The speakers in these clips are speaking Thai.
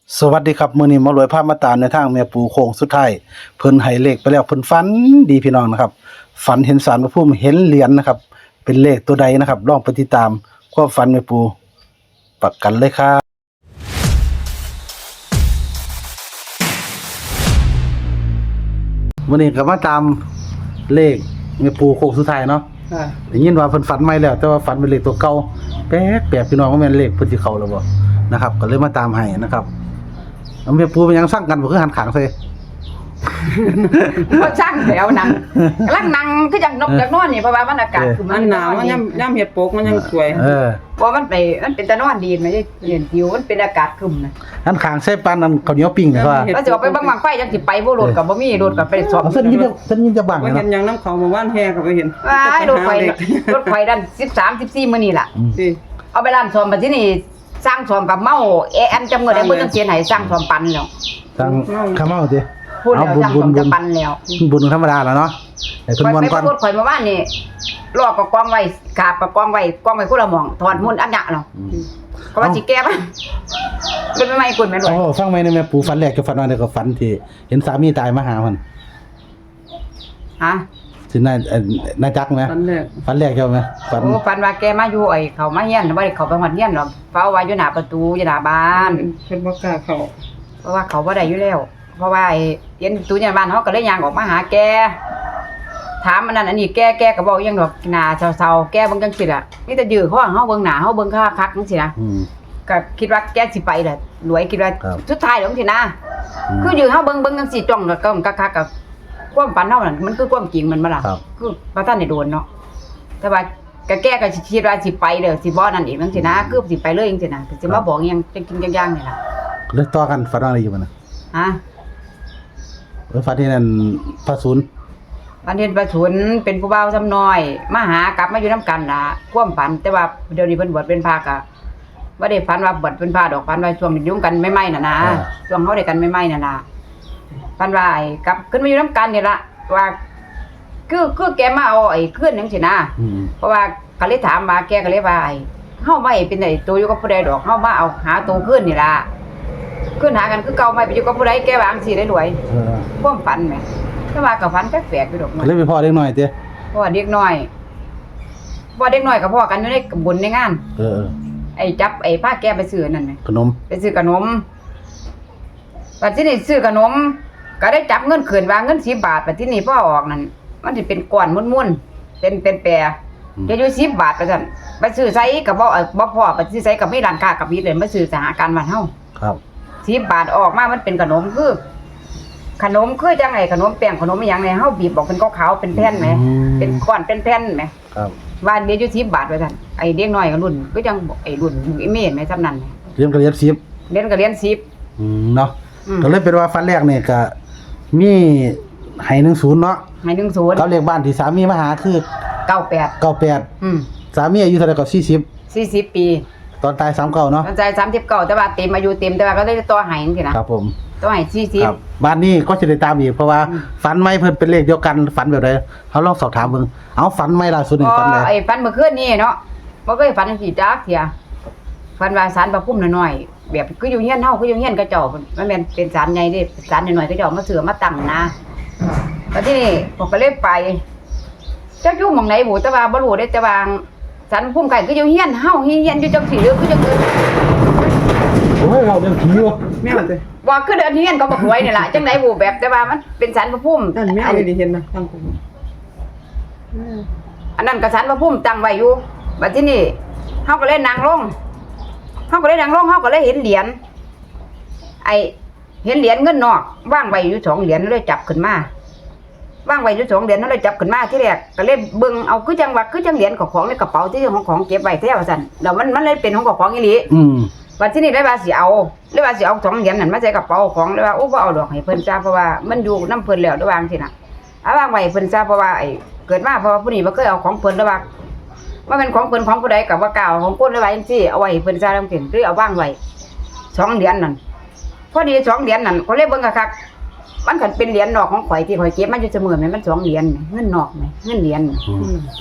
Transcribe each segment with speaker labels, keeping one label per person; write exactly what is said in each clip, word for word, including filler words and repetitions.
Speaker 1: สวัสดีครับมื้อนี้หมารวยพามาตามในทางแม่ปู่โค้งสุดท้ายเพิ่นให้เลขไปแล้วเพิ่นฝันดีพี่น้องนะครับฝันเห็นศาลพระภูมิเห็นเหรียญนะครับเป็นเลขตัวใดนะครับลองไปติดตามความฝันแม่ปู่ประกันเลยครับมื้อนี้ก็มาตามเลขแม่ปู่โค้งสุดท้ายเนาะ
Speaker 2: ค่ะ
Speaker 1: ได้ยินว่าเพิ่นฝันใหม่แล้วแต่ว่าฝันเป็นเลขตัวเก่าแปลกแปลกพี่น้องว่าแม่นเลขเพิ่นสิเข้าแล้วบ่นะครับก็เลยมาตามให้นะครับแล้วแม่ปู่เป็นหยังสั่งกันบ่คือหันข้างใส่
Speaker 2: ก็ช่างแล้วนังกำลังนั่งคือจังนกจังนอนนี่เพราะว่ามันอากาศคือ
Speaker 3: มันหนาวมันย่ำย่ำเห็ดโปกมันยังสวย
Speaker 1: เออ
Speaker 2: เพราะมันไปมันเป็นตะนอนดีไม่ได้เห็นผิวมันเป็นอากาศครึมนะ
Speaker 1: หันข้างใส่ปานนั้นข้าวเหนียวปิ้งนี่ว่า
Speaker 2: แล้วสิเอาไปบังบังไฟจังสิไปบ่รถก็บ่มีรถก็ไปสอบ
Speaker 1: เอาเส้นยินจะเส้นยินจะบัง
Speaker 3: ว่า
Speaker 1: นะ
Speaker 3: เห็นยังน้ำเขามาว่านแห่ก็ไปเห็น
Speaker 2: ว้ายรถไฟ
Speaker 3: เด็ก
Speaker 2: รถไฟดันสิบสาม สิบสี่มื้อนี้ล่ะ
Speaker 3: สิ
Speaker 2: เอาไปร้านซ่อมบัดทีนี้สร้างซ่อมกับเมาเอแอมจำเงินได้บ่จังเสียให้สร้างซ่อมปันแล้ว
Speaker 1: ทางข้าวเมาสิ
Speaker 2: พูดแล้ว
Speaker 1: บุญ
Speaker 2: สร้าง
Speaker 1: บุ
Speaker 2: ซ่
Speaker 1: ญ
Speaker 2: อม
Speaker 1: บุ
Speaker 2: จะ
Speaker 1: ญ
Speaker 2: ปันแล้ว
Speaker 1: บุญธรรมดาแล้วเนาะไอ้เพิ่น
Speaker 2: ข่อย
Speaker 1: ม่วน
Speaker 2: ไป
Speaker 1: ก่อน
Speaker 2: พูดข่อยเมื่อวานนี่ลอกกับกองไว้กาบกับกองไว้กองไว้คนละหม่องถอดมุ่นอันยะเนาะก็ว่าสิแก้ป่ะเป็นไม่ไม่กุนแม่น
Speaker 1: โอ้
Speaker 2: ด้วย
Speaker 1: ฟังไหมในแม่ปู่ฝันแรกกับฝันว่าเดี๋ยวก็ฝันที่เห็นสามีตายมาหาเพิ่น
Speaker 2: ฮะ
Speaker 1: สินายเอ่อนายจักไหม
Speaker 3: ตอนแรก
Speaker 1: ฝันแรกใช่มั้ยฝัน
Speaker 2: โอ้ฟันว่าแกมาอยู่ไอ้เขามาเฮียนบ่ได้เขาไปฮอดเฮียนหรอกเฝ้าไว้อยู่หน้าประตูอยู่หน้าบ้าน
Speaker 3: เพิ่นบ่กล้าเข้า
Speaker 2: เพราะว่าเขาบ่ได้อยู่แล้ว เพราะว่าไอ้เห็นประตูอยู่หน้าบ้านเฮาก็เลยย่างออกมาหาแกถามอันนั้นอันนี้แกแกก็บอกยังดอกหน้าเศร้าๆแกเบิ่งจังซี่ล่ะมีแต่ยื้อข้อเฮาเบิ่งหน้าเฮาเบิ่งคักๆจังซี่นะ
Speaker 1: อืม
Speaker 2: ก็คิดว่าแกสิไปแหละรวยคิดว่า
Speaker 1: ครับ
Speaker 2: สุดท้ายแล้วจังซี่นะ
Speaker 1: อืม
Speaker 2: คือยื้อเฮาเบิ่งเบิ่งจังซี่จ้องแล้วก็คักๆกับความฝันเฮานั่นมันคือความจริงมันบ่ล่ะ
Speaker 1: ครับ
Speaker 2: คือบ่ทันได้โดนเนาะแต่ว่าก็แกก็สิคิดว่าสิไปเด้อสิบ่นั่นอีกจังซี่นะคือสิไปเลยจังซี่นะสิมาบอกอีหยังจังจริงจังๆนี่ล่ะ
Speaker 1: แล้วต่อกันฝันว่าอะไรอยู่มันน่ะ
Speaker 2: ฮะ
Speaker 1: เออฝันที่นั่นพระศูนย์
Speaker 2: วันเห็นประชุนเป็นผู้บ่าวซ้ำน้อยมาหากลับมาอยู่นํกันล่ะความฝันแต่ว่าเดี๋ยวนี้เพิ่นบวชเป็นพระก็บ่ได้ฝันว่าบวชเป็นพระดอกฝันว่าช่วงนี้ยุ่งกันใหม่ๆน่ะนะช่วงเฮาได้กันใหม่ๆน่ะนะฝันว่าไอ้กลับขึ้นมาอยู่นํกันนี่ล่ะว่าคือคือแกมาเอาไอ้คืนจังซี่นะ
Speaker 1: อืม
Speaker 2: เพราะว่าก็เลยถามมาแกก็เลยว่าไอ้เฮาไม่เป็นไอ้ตัวอยู่กับผู้ใดดอกเฮามาเอาหาตัวคืนนี่ล่ะคืนหากันคือเก่าไม่ไปอยู่กับผู้ใดแกว่าจังซี่ได้รวย
Speaker 1: เออ
Speaker 2: ความฝันแหมแต่ว่าก็ฝันแปลกๆอยู่ดอก
Speaker 1: ก็เลยไปพ่อเล็กน้อยเด้อ
Speaker 2: เพราะว่าเด็กน้อยเพราะว่าเด็กน้อยกับพ่อกันอยู่ในบุญในงาน
Speaker 1: เออ
Speaker 2: ไอ้จับไอ้ผ้าแกไปซื้อนั่นไหม
Speaker 1: ขนม
Speaker 2: ไปซื้อขนมปัจจุบันซื้อขนม ก็ได้จับเงินขืนวางเงินสิบบาทปัจจุบันพ่อออกนั่นมันจะเป็นก้อนม้วนๆเป็นเป็นแปรจะอยู่สิบบาทไปสั่นไปซื้อไซกับบ่เอ่อบ่พ่อไปซื้อไซกับไม่ร้านค้ากับมิตรเลยมาซื้อสหการบ้านเฮา
Speaker 1: ครับ
Speaker 2: สิบบาทออกมามันเป็นขนมคือ ขนมคือจังไงขนมแป้งขนมอหย่างไรเฮาบีบบอกเป็นขาวๆเป็นแผ่นไหมเป็นก้อนเป็นแผ่นไหม
Speaker 1: ครับ
Speaker 2: ว่าเดี๋ยวอยู่สิบบาทไปสั่นไอ้เด็กน้อยก็รุ่นก็จังไอ้รุ่นไอ้เมนไหมซ้ำนั่น
Speaker 1: เรียนก็เรียนสิบ
Speaker 2: เรียนก็เรียนสิบ
Speaker 1: อืมเนาะ
Speaker 2: อืม
Speaker 1: ก็เลยเป็นว่าฝันแรกเนี่ยก็มีให้หนึ่งศูนย์เนาะ
Speaker 2: ให้หนึ่งศูนย์
Speaker 1: กับเลขบ้านที่สามีมาหาคือ
Speaker 2: เก้าแปด
Speaker 1: เก้าแปด
Speaker 2: อืม
Speaker 1: สามีอายุเท่าไหร่ก็สี่สิบ
Speaker 2: สี่สิบปี
Speaker 1: ตอนตายสามเก้าเนาะ
Speaker 2: ตอนใจสามสิบเก้าแต่ว่าเต็มอายุเต็มแต่ว่าก็ได้ตัวใหายจังซี่นะครับ
Speaker 1: ผม
Speaker 2: ตัวใหายสี่สิบ
Speaker 1: ครับบ้านนี้ก็จะได้ตามอีกเพราะว่า
Speaker 2: อืม
Speaker 1: ฝันไม่เพิ่นเป็นเลขเดียวกันฝันแบบใดเขาลองสอบถามเบิ่งเอาฝันไม่ล่าสุดนี่
Speaker 2: อ๋อ
Speaker 1: ฝันเลย
Speaker 2: ไอ้ฟันเมื่อคืนนี่เนาะบ่เคยฝันจังซี่จักเที่ยฝันว่าศาลพระภูมิน้อยๆแบบคืออยู่เฮียนเฮาคืออยู่เฮียนกระเจ้าพุ่นมันแม่นเป็นศาลใหญ่เด้ศาลน้อยๆกระเจ้ามาเสือมาตั้งนะแล้วที่นี่ผมก็เลยไปจักอยู่หม่องไหนบ่แต่ว่าบ่รู้เด้แต่ว่าศาลพระภูมิไก่คืออยู่เฮียนเฮาเฮียนอยู่จังซี่หรือคือจังอื่น
Speaker 1: โอ้ยเราเรื่องผีวะ
Speaker 3: แมวเด้
Speaker 2: ว่าคือเดินเฮียนก็บ่รวยนี่ล่ะจังได๋บ่แบบแต่ว่ามันเป็นศาลพระภูมิ
Speaker 3: นั่นแมวเลยดิเห็นนะทางผม
Speaker 2: อันนั้นก็ศาลพระภูมิตั้งไว้อยู่บัดทีนี้เฮาก็เลยนั่งลงเฮาก็เลยนั่งลงเฮาก็เลยเห็นเหรียญไอ้เห็นเหรียญเงินนอกวางไว้อยู่สองเหรียญเลยจับขึ้นมาวางไว้อยู่สองเหรียญเลยจับขึ้นมาที่แรกก็เลยเบิ่งเอาคือจังว่าคือจังเหรียญของของในกระเป๋าที่ของของเก็บไว้แท้ว่าซั่นแล้วมันมันเลยเป็นของของอีหลี
Speaker 1: อืม
Speaker 2: วันที่นี่ได้ว่าสิเอาเลยว่าสิเอาสองเหรียญนั่นมาใส่กระเป๋าของเลยว่าโอ้บ่เอาดอกให้เพิ่นซะเพราะว่ามันอยู่นำเพิ่นแล้วระวางสิน่ะเอาวางไว้ให้เพิ่นซะเพราะว่าไอ้เกิดมาเพราะว่าผู้นี้บ่เคยเอาของเพิ่นระว่าว่ามันของเพิ่นของผู้ใดก็บ่กล้าเอาของคนเลยว่าจังซี่เอาไว้ให้เพิ่นซะจังซี่หรือเอาวางไว้สองเหรียญนั่นพอดีสองเหรียญนั่นก็เลยเบิ่งคักๆมันก็เป็นเหรียญนอกของข่อยที่ข่อยเก็บมาอยู่เสมอแม่นมันสองเหรียญแหมเงินนอกแหมเงินเหรียญ
Speaker 1: อืม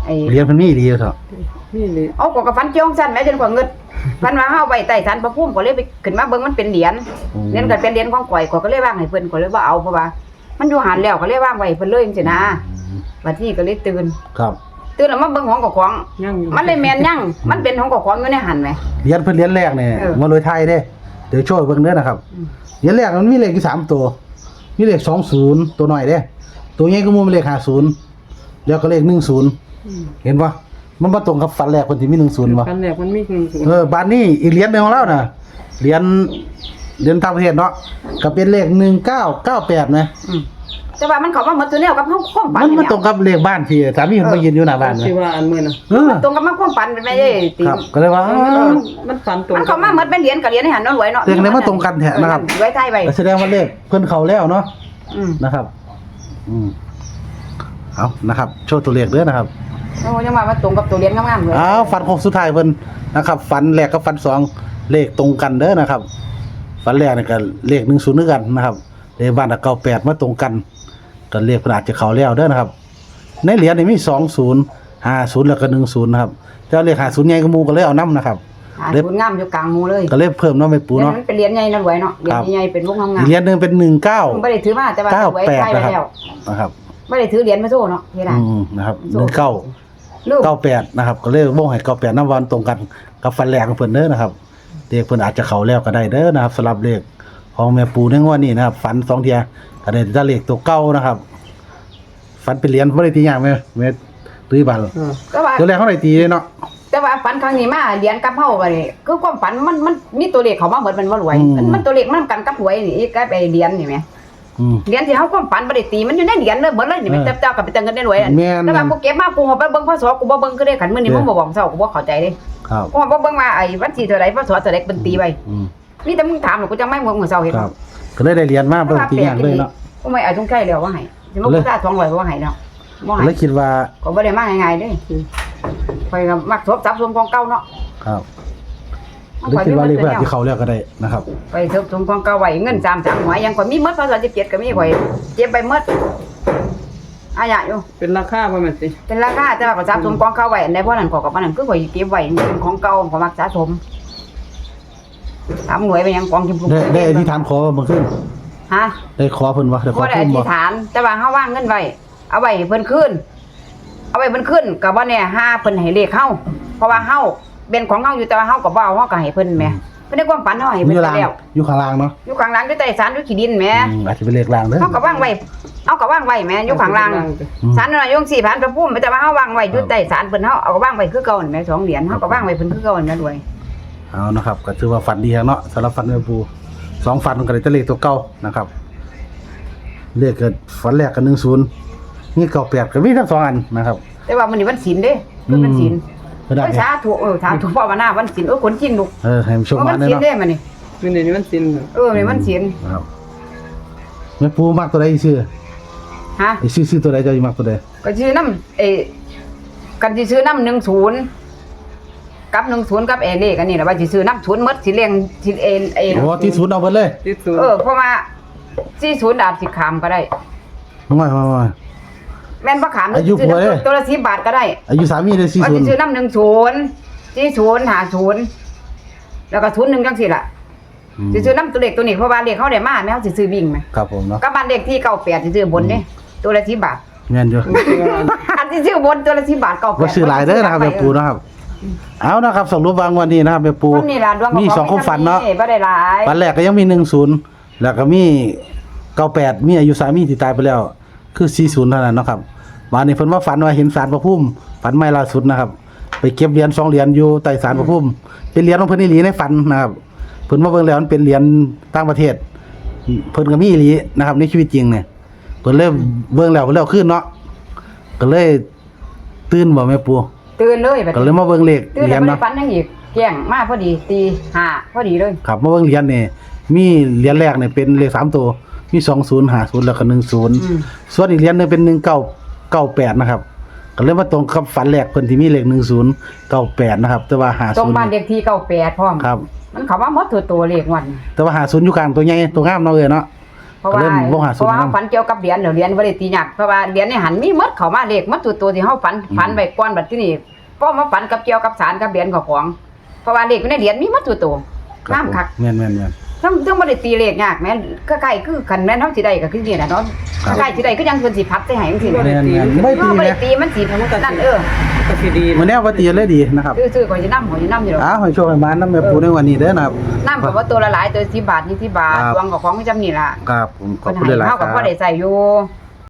Speaker 2: ไอ้
Speaker 1: เหรียญเพิ่นมีดีเถอะ
Speaker 3: นี่เลย
Speaker 2: เอาก็กับฟันเจียวสั้นแม่จนกว่าเงิดฟันว่าเฮาไว้ใต้ศาลพระภูมิก็เลยไปขึ้นมาเบิ่งมันเป็นเหรียญเหรียญก็เป็นเหรียญของข่อยก็เลยว่างให้เพิ่นก็เลยบ่เอาเพราะว่ามันอยู่หันแล้วก็เลยว่างไว้เพิ่นเลยจังซี่นะบัดนี้ก็เลยตื่น
Speaker 1: ครับ
Speaker 2: ตื่นแล้วมาเบิ่งของกับของ
Speaker 3: ยังอยู่
Speaker 2: มันเลยแม่นยังมันเป็นของกับของอยู่ในหันแหม
Speaker 1: เหรียญเพิ่นเหรียญแรกเนี่ย
Speaker 2: เออ
Speaker 1: มาเลยไทยเด้เดี๋ยวโช่วยเบิ่งเด้อนะครับ
Speaker 2: อืม
Speaker 1: เหรียญแรกมันมีเลขอยู่สามตัวมีเลขสองศูนย์ตัวน้อยเด้ตัวใหญ่ก็มูมีเลขห้าศูนย์แล้วก็เลขหนึ่งศูนย์
Speaker 3: อืม
Speaker 1: เห็นปะมันมาตรงกับฝันแรกคนที่มีหนึ่งศูนย์ปะ
Speaker 3: กันแรกมันมีหนึ่งศูนย์
Speaker 1: เออบานนี้อีกเหรียญหนึงของเราน่ะเหรียญเหรียญต่างประเทศเนาะก็เป็นเลขหนึ่งเก้าเก้าแปดนะ
Speaker 2: อืมแต่ว่ามันเข้ามาหมดตัวแนวกับเฮาความฝัน
Speaker 1: มัน
Speaker 2: นี่
Speaker 1: มันตรงกับเลขบ้านที่สามีผมมายืนอยู่หน้าบ้านนะ
Speaker 3: ที่ว่าอันมื้อน่ะ
Speaker 1: เออ
Speaker 2: ตรงกับมันความฝันเป็นแม่เอ้ยติ
Speaker 1: ครับก็เลยว่า
Speaker 3: เอ
Speaker 1: อ้า
Speaker 3: อ
Speaker 1: ว
Speaker 3: มันฝันตรง
Speaker 2: มันเข้ามาหมดเป็นเหรียญกับเหรียญในหันเนาะรวยเนาะ
Speaker 1: เลขไหนมาตรงกันแท้นะครับ
Speaker 2: เออรวยไทยไว้
Speaker 1: แสดงว่าเลขเพิ่นเขาแล้วเนาะ
Speaker 2: อืม
Speaker 1: นะครับ อืมเอานะครับ โชว์ตัวเลขเด้อนะครับ
Speaker 2: โอ้ยังว่ามันตรงกับตัวเหรียญงามๆเลย
Speaker 1: เอาฟันโค้งสุดท้ายเพิ่นนะครับ ฟันแรกกับฟันสองเลขตรงกันเด้อนะครับ ฟันแรกนี่ก็เลขหนึ่งศูนย์ด้วยกันนะครับเลขบ้านเก้าแปดมาตรงกันก็เลขเพิ่นอาจจะเข้าแล้วเด้อนะครับ ในเหรียญนี่มีสองศูนย์ห้าศูนย์แล้วก็หนึ่งศูนย์นะครับแต่ว่าเลขห้าศูนย์ใหญ่กว่าหมู่ก็เลยเอานํนะครับ
Speaker 2: หาศูนย์งามอยู่กลางหมู่เลย
Speaker 1: ก็เลยเพิ่มเนาะไม่ปู
Speaker 2: เหรียญ
Speaker 1: เนาะ
Speaker 2: มันเป็นเหรียญใหญ่นะรวยเนาะเหรียญใหญ่เป็นวงงาม
Speaker 1: อีกเหรียญหนึงเป็นหนึ่งเก้า
Speaker 2: ๆบ่ได้ถือมาแต่ว่า
Speaker 1: เก้าร
Speaker 2: วย
Speaker 1: แปด
Speaker 2: ไทยไว้
Speaker 1: นะครับ
Speaker 2: แล้ว
Speaker 1: นะครับ
Speaker 2: บ่ได้ถือเหรียญมาโซ่เนาะเฮ็ดได้
Speaker 1: อืมนะครับหนึ่งเก้า
Speaker 2: ลูก
Speaker 1: เก้าแปดนะครับก็เลยวงให้เก้าแปดน้ำวันตรงกันกับฟันแรกของเพิ่นเด้อนะครับเลขเพิ่นอาจจะเข้าแล้วก็ได้เด้อนะครับสำหรับเลขของแม่ปูในงวดนี้นะครับฝันสองเที่ยก็ได้แต่เลขตัวเก่านะครับฝันเป็นเหรียญบ่ได้ตีหยังแม่แม่ตุ้ยบัน
Speaker 3: เออ
Speaker 2: แต่ว่า
Speaker 1: ตัวแรกเขาได้ตีเลยเนาะ
Speaker 2: แต่ว่าฝันครั้งนี้มาเหรียญกับเฮาก็นี่คือความฝันมันมันมีตัวเลขเข้ามาเหมือนมันบ่รวยมันมันตัวเลขมันกันกับหวยนี่ก็ไปเหรียญนี่แหม
Speaker 1: อืม
Speaker 2: เหรียญที่เฮาความฝันบ่ได้ตีมันอยู่ในเหรียญเลยเบิดเลยนี่แม่
Speaker 1: เออ
Speaker 2: เจ้าก็ไปเติมเงินได้รวยอะ
Speaker 1: แม่น
Speaker 2: แต่ว่ากูเก็บมากูเอาไปเบิ่งพศกูบ่เบิ่งคือได้ขันมื้อนี้
Speaker 1: เออ
Speaker 2: มึงบ่บอกเจ้ากูบ่เข้าใจเด้
Speaker 1: ครับ
Speaker 2: กูบ่เบิ่งว่าไอ้วันที่เท่าใดพศเท่าใดเป็นตีไว้
Speaker 1: อืม
Speaker 2: มีแต่มึงถามแล้วกูจังไม่มึงมื้อเช้าเห็น
Speaker 1: ครับก็เลยได้เหรียญมาเบิ่งตีหยังเลยเนาะ
Speaker 2: กูไม่เอาจงใกล้แล้วว่าให้สิมา
Speaker 1: เล
Speaker 2: กู
Speaker 1: ย
Speaker 2: จ่ายสองร้อยว่าให้เนาะบ่
Speaker 1: ก็
Speaker 2: ให้
Speaker 1: เลยคิดว่า
Speaker 2: ก็บ่ได้มาง่ายๆเด้ข่อยก็มักทบทรัพย์สมของเก่าเนาะ
Speaker 1: ครับเลยคิดว่าเลขเพิ่นอาจจะเข้าแล้วก็ได้นะครับ
Speaker 2: ไปทบสมของเก่าไว้เงินสามสามหวยยังข่อยมีหมดพศสิบเจ็ดก็มีข่อยเก็บไปหมดอาญะอยู่
Speaker 3: เป็นราคาบ่แม่นสิ
Speaker 2: เป็นราคาแต่ว่าก็สะสมของเก่าไว้อันใดบ่นั้นก็กับอันนั้นคือข่อยเก็บไว้เป็นของเก่าก็มักสะสมถามหน่วยไปยังกองกิม
Speaker 1: ได้ได้อธิษฐานขอเมื่อคืน
Speaker 2: ฮะ
Speaker 1: ได้ขอเพิ่นว่าได้ขอ
Speaker 2: บ่ได้อ
Speaker 1: เพิ่น
Speaker 2: ธิ
Speaker 1: บ่
Speaker 2: ษฐาน แต่ว่าเฮาว่างเงินไว้เอาไว้ให้เพิ่นคืนเอาไว้เพิ่นคืนก็บ่แน่ห้าเพิ่นให้เลขเฮาเพราะว่าเฮาเป็นของเฮาอยู่แต่ว่าเฮาก็บ่เอาเฮาก็ให้เพิ่นแหมเพิ่นได้ความฝันเฮาให้
Speaker 1: อ
Speaker 2: เพิ่น
Speaker 1: ยู่
Speaker 2: ไป
Speaker 1: ล่าง
Speaker 2: แล้ว
Speaker 1: อยู่ข้างล่างเนาะ
Speaker 2: อยู่ข้างหลังอยู่ใต้ศาลอยู่ขี้ดินแหม
Speaker 1: อืมอาจจะเป็นเลขล่างเด้อ
Speaker 2: เฮาก็ว่างไว้เอาก็ว่างไว้แหมอยู่ข้างหลัง
Speaker 1: อืม
Speaker 2: ศาลนั่นน่ะอยู่สี่พันพระภูมิแต่ว่าเฮาว่างไว้อยู่ใต้ศาลเพิ่นเฮาเอาก็ว่างไว้คือเก่านั่นแหมสองเหรียญเฮาก็ว่างไว้เพิ่นคือเก่านั่นแหมด้วย
Speaker 1: เอานะครับก็ถือว่าฝันดีครับเนาะสำหรับฝันแม่ปูสองฝันก็ได้แต่เลขตัวเก่านะครับเลขเกิดฝันแรกก็หนึ่งศูนย์นี่เก้าแปดก็มีทั้งสองอันนะครับ
Speaker 2: แต่ว่ามื้อนี้วันศีลเด้คือวันศีล
Speaker 1: ก็ได้
Speaker 2: โอ้ยสาธุเออสาธุภาวนาวันศีลโอ้ยคนจริงลูก
Speaker 1: เออให้มันโชค
Speaker 2: เออ
Speaker 1: มา
Speaker 2: วัน
Speaker 1: เด้อ
Speaker 2: ศีล
Speaker 1: เนาะ
Speaker 2: เด้มื้อนี้
Speaker 3: มื้อนี้มันสิ้น
Speaker 2: เออนี่วันศีล
Speaker 1: ครับแม่ปูมักตัวใดอีซื้อ
Speaker 2: ฮะ
Speaker 1: ไอ้ซื้อซื้อตัวใดเจะมักตัวใด
Speaker 2: ก็ชื่อนำเอกันสิซื้อนำหนึ่งศูนย์กับหนึ่งศูนย์กับเอเลขอันนี้ล่ะว่าสิซื้อนำศูนย์หมดสิเลี้ยงสิเอเอ
Speaker 1: โอ้ที่ศูนย์เอาเบิดเลย
Speaker 3: ที่สุด
Speaker 2: เออเพราะว่าสี่ศูนย์อาจสิขามก็ได้
Speaker 1: น้อยมา
Speaker 2: แม่นบ่ขาม
Speaker 1: อายุ
Speaker 2: ซื้
Speaker 1: ผัวเด้
Speaker 2: ตัวละสิบบาทก็ได้
Speaker 1: อายุสามีได้สี่
Speaker 2: ว่า
Speaker 1: ศูน
Speaker 2: สิ
Speaker 1: ย์
Speaker 2: ซื้อนำหนึ่งศูนย์สี่ศูนย์ห้าศูนย์แล้วก็ศูนย์หนึ่งจังซี่ล่ะสิซื้อนำตัวเลขตัวนี้เพราะว่าเลขเขาได้มาแม่เฮาสิซื้อวิ่งไหม
Speaker 1: ครับผมเนาะ
Speaker 2: กับบ้านเลขที่เก้าแปดสิซื้อบนเด้ตัวละสิบบาท
Speaker 1: แม่นอยู่
Speaker 2: อันที่ซื้อบนตัวละสิบบาทเก้าแปด
Speaker 1: บ่ซื้อหลายเด้อนะครับแม่ปูนะครับเอานะครับสรุปวางวันนี้นะครับแม่ปู
Speaker 2: วันนี้ล่ะดวง
Speaker 1: มีสองความฝันเนาะ
Speaker 2: บ่ได้หลาย
Speaker 1: ฝันแรกก็ยังมีหนึ่งศูนย์แล้วก็มีเก้าแปดมีอายุสามีที่ตายไปแล้ว คือสี่ศูนย์เท่านั้นเนาะครับวันนี้เพิ่นว่าฝันว่าเห็นศาลพระภูมิฝันใหม่ล่าสุดนะครับ ไปเก็บเหรียญสองเหรียญอยู่ใต้ศาลพระภูมิเป็นเหรียญของเพิ่นอีหลีในฝันนะครับเพิ่นมาเบิ่งแล้วมันเป็นเหรียญต่างประเทศ เพิ่นก็มีอีหลีนะครับในชีวิตจริงเนี่ยเพิ่นเลยเบิ่งแล้วเพิ่นแล้วขึ้นเนาะก็เลยตื่นบ่แม่ปู
Speaker 2: ตื่นเลยบัด
Speaker 1: ก็เลยมาเบิ่งเลข
Speaker 2: ตื่น
Speaker 1: เหรี
Speaker 2: แล้
Speaker 1: ยว ญ
Speaker 2: บ่ได้
Speaker 1: เนาะ
Speaker 2: ฝันหยังอีกแจ้งมาพอดีตีห้าพอดีเลย
Speaker 1: ครับมาเบิ่งเหรียญนี่มีเหรียญแรกเนี่ยเป็นเลขสามตัวมีสองศูนย์ห้าศูนย์แล้วก็หนึ่งศูนย์
Speaker 2: อืม
Speaker 1: ส่วนอีกเหรียญหนึงเป็นหนึ่งเก้าเก้าแปดนะครับก็เลยมาตรงกับฝันแรกเพิ่นที่มีเลขหนึ่งศูนย์เก้าแปดนะครับแต่ว่าห้า
Speaker 2: ตรง
Speaker 1: ศูนย์
Speaker 2: บ้านเลขที่เก้าแปดพร้อม
Speaker 1: ครับ
Speaker 2: มันเข้ามาหมดตัวตัวเลขวัน
Speaker 1: แต่ว่าห้าศูนย์อยู่กลางตัวใหญ่ตัวงามเนาะเอ้ยเนาะ
Speaker 2: เพราะว่า
Speaker 1: เริ่มลงหา
Speaker 2: เพ
Speaker 1: สูต
Speaker 2: ราะ
Speaker 1: ร
Speaker 2: ว่า
Speaker 1: นํ
Speaker 2: เฮาฝันเกี่ยวกับเหรียญเดี๋ยวเหรียญบ่ได้ตีหยักเพราะว่าเหรียญในหันมีหมดเข้ามาเลขหมดตัวตัวที่เฮาฝันฝันไว้ก่อนบัดทีนี้พอมาฝันกับเกี่ยวกับสารกับเหรียญของของเพราะว่าเลขอยู่ในเหรียญมีหมดตัวตัวงามคัก
Speaker 1: แม่นแม่นแม่น
Speaker 2: ทั้งทั้งบ่ได้ตีเลขยากแม่นก็ใกล้คือคันแม่นเฮาสิได้ก็คือนี่น่ะเนาะ
Speaker 1: ครับ
Speaker 2: ใกล้สิได้คือยังเพิ่นสิพัดใส่ให้จังซี่
Speaker 1: แม่
Speaker 2: น่ะ
Speaker 1: นแม่นไม่ตี
Speaker 2: บ่
Speaker 1: แม่
Speaker 2: ได้ตีมันสินั่นเออ
Speaker 3: ก็สิดี
Speaker 1: มื้อนี้ว่าตีเลยดีนะครับ
Speaker 2: ซื้อๆก็สินำหอยนำอยู่ดอก
Speaker 1: อ้าวให้โชคให้มานำแม่ปูในวันนี้เด้อนะครับ
Speaker 2: น้ำก็ว่าตัวละหลายตัวสิบบาทยี่สิบบาท
Speaker 1: ครับ
Speaker 2: ดวงก็ของจำนี่ล่ะ
Speaker 1: ครับผมขอบ
Speaker 2: เพิ่น
Speaker 1: คุณห
Speaker 2: ให้
Speaker 1: ลายๆ
Speaker 2: เฮา
Speaker 1: ค
Speaker 2: ก็
Speaker 1: รับ
Speaker 2: พอได้ใช้อยู่